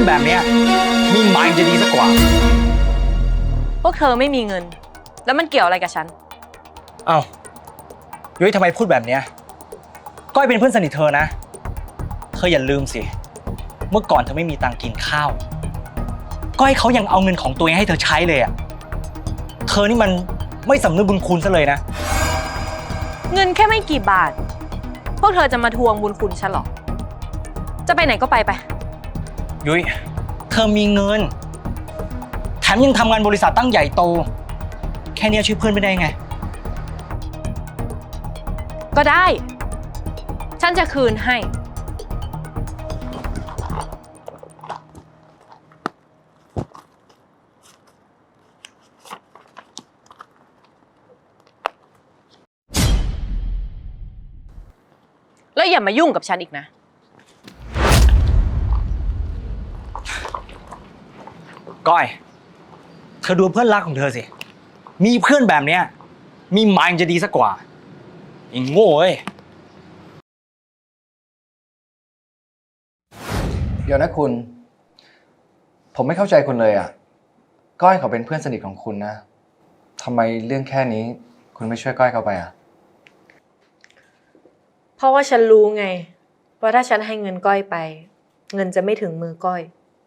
แบบเนี้ยมีหมายจะดีสักกว่าพวกเธอไม่มีเงินแล้วมันเกี่ยวอะไรกับฉันเอ้ายุ้ยทำไมพูดแบบเนี้ยก้อยเป็นเพื่อนสนิทเธอนะเธออย่าลืมสิเมื่อก่อนเธอไม่มีตังค์กินข้าวก้อยเขายังเอาเงินของตัวเองให้เธอใช้เลยอ่ะเธอนี่มันไม่สำนึกบุญคุณซะเลยนะเงินแค่ไม่กี่บาทพวกเธอจะมาทวงบุญคุณฉันหรอจะไปไหนก็ไปยุ้ยเธอมีเงินแถมยังทำงานบริษัทตั้งใหญ่โตแค่นี้ช่วยเพื่อนไม่ได้ไงก็ได้ฉันจะคืนให้แล้วอย่ามายุ่งกับฉันอีกนะก้อยเธอดูเพื่อนรักของเธอสิมีเพื่อนแบบเนี้ยมีหมายจะดีสักกว่าไอ้โง่เอ้ยเดี๋ยวนะคุณผมไม่เข้าใจคุณเลยอ่ะก้อยเขาเป็นเพื่อนสนิทของคุณนะทำไมเรื่องแค่นี้คุณไม่ช่วยก้อยเขาไปอ่ะเพราะว่าฉันรู้ไงว่าถ้าฉันให้เงินก้อยไปเงินจะไม่ถึงมือก้อย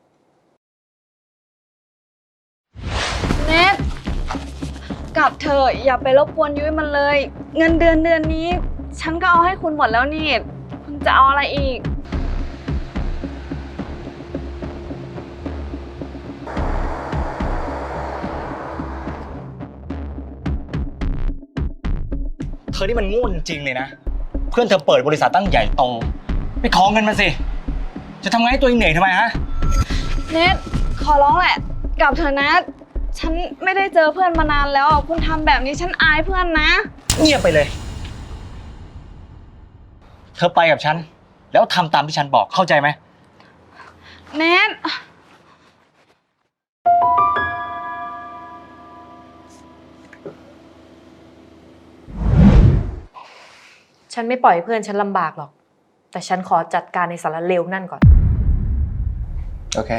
เนทกลับเถอะอย่าไปรบกวนยุ้ยมันเลยเงินเดือนนี้ฉันก็เอาให้คุณหมดแล้วนี่คุณจะเอาอะไรอีกเธอนี่มันโง่จริงๆเลยนะเพื่อนเธอเปิดบริษัทตั้งใหญ่โตไปขอเงินมาสิจะทำไงให้ตัวเองเหนื่อยทำไมฮะเนทขอร้องแหละกลับเถอะนะฉันไม่ได้เจอเพื่อนมานานแล้วคุณทำแบบนี้ฉันอายเพื่อนนะเงียบไปเลยเธอไปกับฉันแล้วทำตามที่ฉันบอกเข้าใจไหมเนทฉันไม่ปล่อยเพื่อนฉันลำบากหรอกแต่ฉันขอจัดการในสารเลวนั่นก่อนโอเค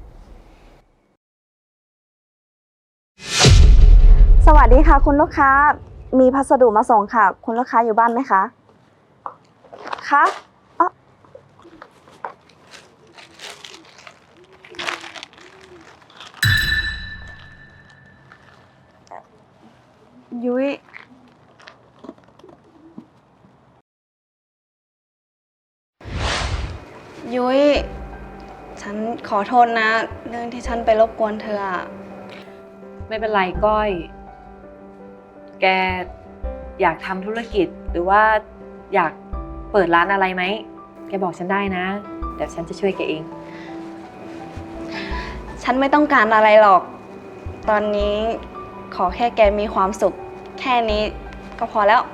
สวัสดีค่ะคุณลูกค้ามีพัสดุมาส่งค่ะคุณลูกค้าอยู่บ้านไหมคะคะยุ้ยฉันขอโทษนะเรื่องที่ฉันไปรบกวนเธออะไม่เป็นไรก้อยแกอยากทำธุรกิจหรือว่าอยากเปิดร้านอะไรไหมแกบอกฉันได้นะเดี๋ยวฉันจะช่วยแกเองฉันไม่ต้องการอะไรหรอกตอนนี้ขอแค่แกมีความสุขแค่นี้ก็พอแล้ว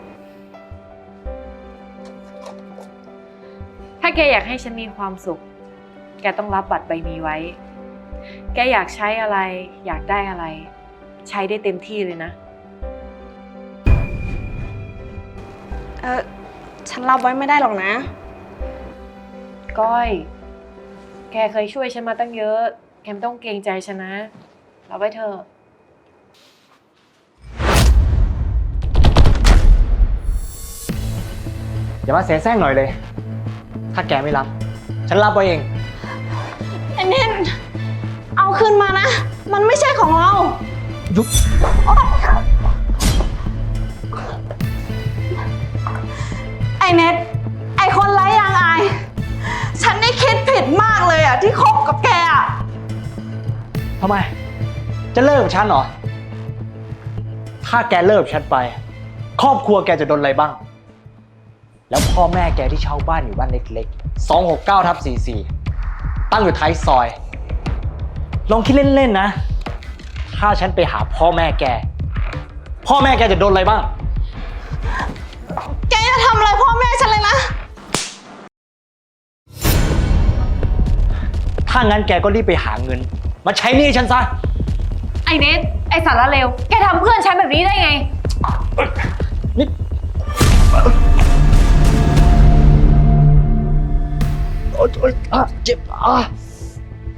ถ้าแกอยากให้ฉันมีความสุขแกต้องรับบัตรใบนี้ไว้แกอยากใช้อะไรอยากได้อะไรใช้ได้เต็มที่เลยนะฉันรับไว้ไม่ได้หรอกนะก้อยแกเคยช่วยฉันมาตั้งเยอะแกไม่ต้องเกรงใจฉันนะรับไว้เถอะอย่ามาเสียแซงหน่อยเลยถ้าแกไม่รับฉันรับไว้เองไอ้เน้นเอาคืนมานะมันไม่ใช่ของเรายุบไอ้เน็ตไอ้คนไร้ยางอายฉันได้คิดผิดมากเลยอ่ะที่คบกับแกอ่ะทำไมจะเลิกกับฉันเหรอถ้าแกเลิกฉันไปครอบครัวแกจะโดนอะไรบ้างแล้วพ่อแม่แกที่เช่าบ้านอยู่บ้านเล็กๆ269/44ตั้งอยู่ท้ายซอยลองคิดเล่นๆนะถ้าฉันไปหาพ่อแม่แกจะโดนอะไรบ้างแกจะทำอะไรพ่อแม่ฉันเลยนะถ้างั้นแกก็รีบไปหาเงินมาใช้หนี้ฉันซะไอ้เนทไอ้สารเลวแกทำเพื่อนฉันแบบนี้ได้ไงนี่โอ๊ยเจ็บ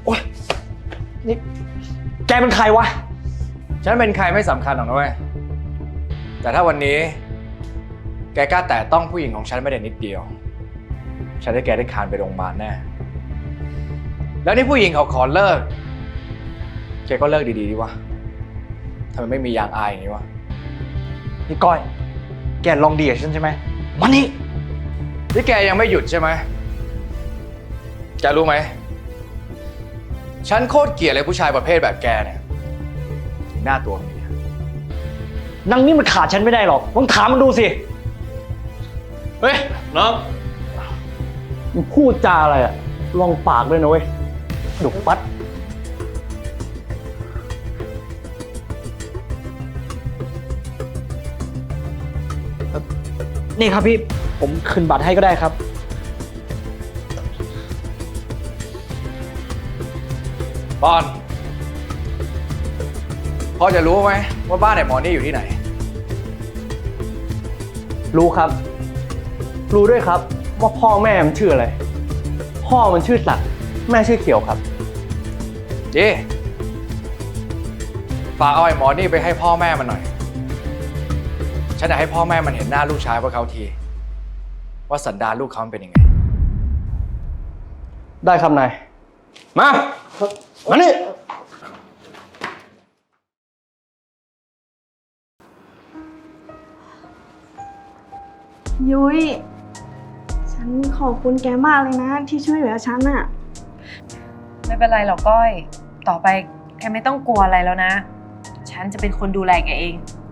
โอ๊ย นี่ แกเป็นใครวะฉันเป็นใครไม่สำคัญหรอกนะเว้ย แต่ถ้าวันนี้ แกกล้าแตะต้องผู้หญิงของฉันไม่ได้นิดเดียว ฉันให้แกได้คานไปโรงพยาบาลแน่ แล้วนี่ผู้หญิงเขาขอเลิก แกก็เลิกดีๆดีวะทำไมไม่มียางอายอย่างนี้วะนี่ก้อย แกลองดีกับฉันใช่ไหมมานี่นี่แกยังไม่หยุดใช่ไหม แกรู้ไหม ฉันโคตรเกลียดเลยผู้ชายประเภทแบบแกเนี่ย หน้าตัวมีนางนี่มันขาดฉันไม่ได้หรอกลองถามมันดูสิเฮ้ย น้องมึงพูดจาอะไรอะลองปากด้วยนะเว้ยดุปัดนี่ครับพี่ ผมคืนบัตรให้ก็ได้ครับบอลพอจะรู้ไหมว่าบ้านไอ้หมอนี่อยู่ที่ไหนรู้ครับ รู้ด้วยครับว่าพ่อแม่มันชื่ออะไร พ่อมันชื่อศักดิ์แม่ชื่อเขียวครับดีฝากเอาไอ้หมอนี่ไปให้พ่อแม่มันหน่อย ฉันอยากให้พ่อแม่มันเห็นหน้าลูกชายพวกเขาที ว่าสันดานลูกเขามันเป็นยังไงได้ครับนาย มามานี่ยุ้ย ฉันขอบคุณแกมากเลยนะ ที่ช่วยเหลือฉันอะไม่เป็นไรหรอกก้อย ต่อไปแกไม่ต้องกลัวอะไรแล้วนะ ฉันจะเป็นคนดูแลแกเอง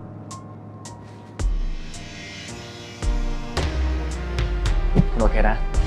คุณโอเคนะ